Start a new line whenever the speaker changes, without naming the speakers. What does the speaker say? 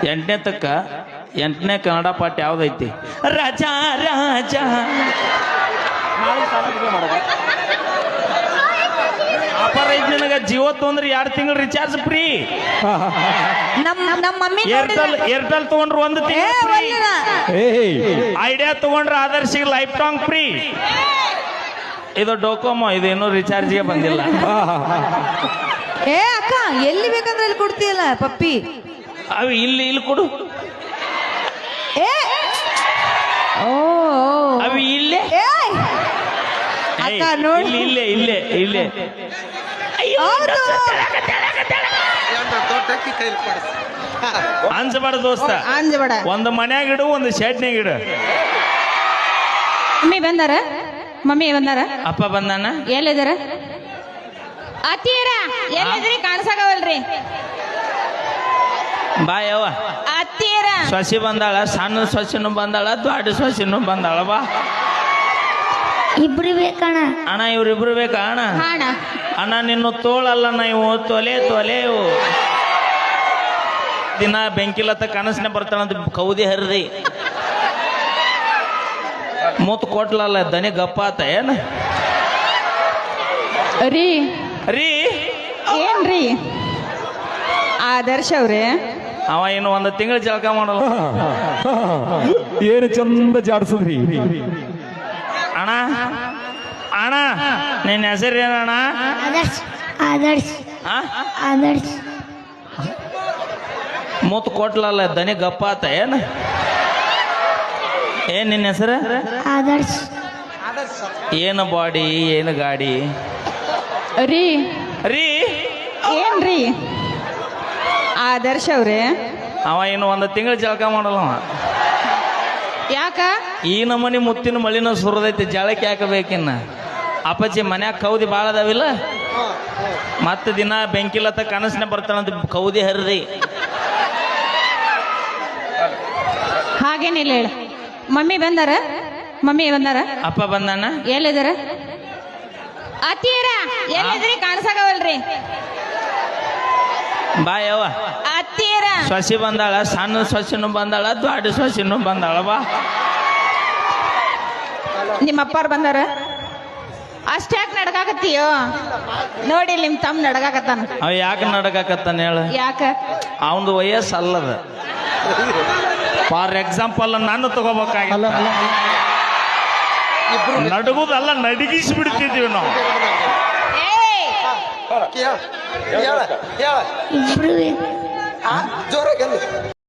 ಎಂಟನೇ ತಕ್ಕ ಎಂಟನೇ ಕನ್ನಡ ಪಾಠ ಯಾವ್ದೈತಿ? ರಾಜ ರಾಜ. ಆಫರ್ ಐತಿ ನಿನಗ. ಜಿಯೋ ತೊಂದ್ರೆ 2 ತಿಂಗಳು ರಿಚಾರ್ಜ್ ಫ್ರೀ.
ನಮ್ಮ ಮಮ್ಮಿ
ಏರ್ಟೆಲ್ ತಗೊಂಡ್ರು 1 ತಿಂಗಳು. ಐಡಿಯಾ ತಗೊಂಡ್ರೆ ಆದರ್ಶಿಗೆ ಲೈಫ್ ಟಾಂಗ್ ಫ್ರೀ. ಇದು ಡೋಕೋಮೋ, ಇದು ಇನ್ನೂ ರಿಚಾರ್ಜ್ಗೆ ಬಂದಿಲ್ಲ.
ಏ ಅಕ್ಕ, ಎಲ್ಲಿ ಬೇಕಂದ್ರೆ ಅಲ್ಲಿ ಕೊಡ್ತೀಯಲ್ಲ ಪಪ್ಪಿ.
ಅವು ಇಲ್ಲಿ ಕೊಡು. ಅವು ಇಲ್ಲೇ
ಅಕ್ಕ ನೋಡಿ,
ಇಲ್ಲೇ ಅಂಜಬೇಡ ದೋಸ್ತ,
ಅಂಜಬೇಡ.
ಒಂದು ಮನ್ಯಾಗ ಇಡು, ಒಂದು ಶೆಡ್ನ್ಯಾಗ ಇಡು.
ಮಮ್ಮಿ ಬಂದಾರ
ಅಪ್ಪ ಬಂದಾನ.
ಎಲ್ಲಿದಾರ? ಅತ್ತೀರ ಎಲ್ಲಿದ್ರಿ? ಕಾಣಿಸಾಗವಲ್ರಿ.
ಬಾಯವ್ವ,
ಅತ್ತೀರ
ಸೊಸಿ ಬಂದಾಳ, ಸಣ್ಣ ಸೊಸಿನೂ ಬಂದಾಳ, ದೊಡ್ಡ ಸೊಸಿನೂ ಬಂದಾಳ. ಬಾ.
ಇಬ್ರು ಬೇಕಣ್ಣ.
ಅಣ್ಣ ಇವ್ರಿಬ್ರು ಬೇಕಾ ಅಣ್ಣ?
ಹಾಣ
ಅಣ್ಣ ನಿನ್ನ ತೋಳಲ್ಲ, ಇವು ತೊಲೆ ಇವು. ದಿನ ಬೆಂಕಿಲತ್ತ ಕನಸನೆ ಬರ್ತಾಳಂತ ಕೌದಿ ಹರಿದಿ ಮೂತ್ ಕೊಟ್ಲಲ್ಲ, ದನಿ ಗಪ್ಪ ಆತ ಏನ
ರೀ?
ರೀ
ಏನ್ರಿ ಆದರ್ಶ ಅವ್ರೆ?
ಅವ ಇನ್ನು 1 ತಿಂಗಳು ಜಳಕ ಮಾಡಲ್ಲ.
ಏನು ಚಂದ ಜಾಡ್ಸದ್ರಿ
ಅಣ್ಣ. ಅಣ್ಣ ನಿನ್ನ ಹೆಸರು ಏನಣ್ಣ?
ಆದರ್ಶ್. ಆದರ್ಶ್. ಆದರ್ಶ್.
ಮೂತ್ ಕೊಟ್ಲಲ್ಲ, ದನಿ ಗಪ್ಪ ಆತ ಏನ? ಏನ್ ನಿನ್ನ ಹೆಸರು?
ಆದರ್ಶ್.
ಏನು ಬಾಡಿ, ಏನು ಗಾಡಿ?
ರೀ
ರೀ
ಏನ್ರಿ ಆದರ್ಶ ಅವ್ರೆ?
ಅವ ಇನ್ನು 1 ತಿಂಗಳು ಜಳಕ ಮಾಡಲ್ಲ. ಅವ
ಯಾಕ?
ಈ ನಮನಿ ಮುತ್ತಿನ ಮಳಿನ ಸುರದೈತಿ, ಜಳಕ್ಕೆ ಹಾಕಬೇಕಿನ್ನ. ಅಪ್ಪಾಜಿ ಮನ್ಯಾಗ ಕೌದಿ ಭಾಳ ಅದಾವಿಲ್ಲ, ಮತ್ತೆ ದಿನ ಬೆಂಕಿಲತ್ತ ಕನಸನೆ ಬರ್ತಾಳಂತ ಕೌದಿ ಹರಿದಿ.
ಹಾಗೇನಿಲ್ಲ ಹೇಳ. ಮಮ್ಮಿ ಬಂದಾರ?
ಅಪ್ಪ ಬಂದಾನ.
ಎಲ್ಲಿದಾರ? ಅತ್ತೀರ ಎಲ್ಲಿದ್ರಿ? ಕಾಣಿಸಾಗವಲ್ರಿ.
ಬಾಯವ್ವ,
ಅತ್ತೀರ
ಸೊಸಿ ಬಂದಾಳ, ಸಣ್ಣ ಸೊಸಿನೂ ಬಂದಾಳ, ದೊಡ್ಡ ಸೊಸಿನೂ ಬಂದಾಳ. ಬಾ.
ನಿಮ್ಮ ಅಪ್ಪಾರು ಬಂದಾರ? ಅಷ್ಟ್ಯಾಕೆ ನಡ್ಕಾಕತ್ತೀಯೋ? ನೋಡಿ ನಿಮ್ ತಮ್ಮ ನಡ್ಕಾಕತ್ತಾನ.
ಅವ ಯಾಕೆ ನಡಕಾಕತ್ತಾನ ಹೇಳ?
ಯಾಕ?
ಅವನದು ವಯಸ್ಸು ಅಲ್ಲದ. ಫಾರ್ ಎಕ್ಸಾಂಪಲ್ ನಾನು ತಗೋಬೇಕಾಗಿಲ್ಲ, ನಡಗುದಲ್ಲ, ನಡಗಿಸಿ ಬಿಡ್ತಿದ್ದೀವಿ ನಾವು.
ಇಬ್ರು ಬೇಕು.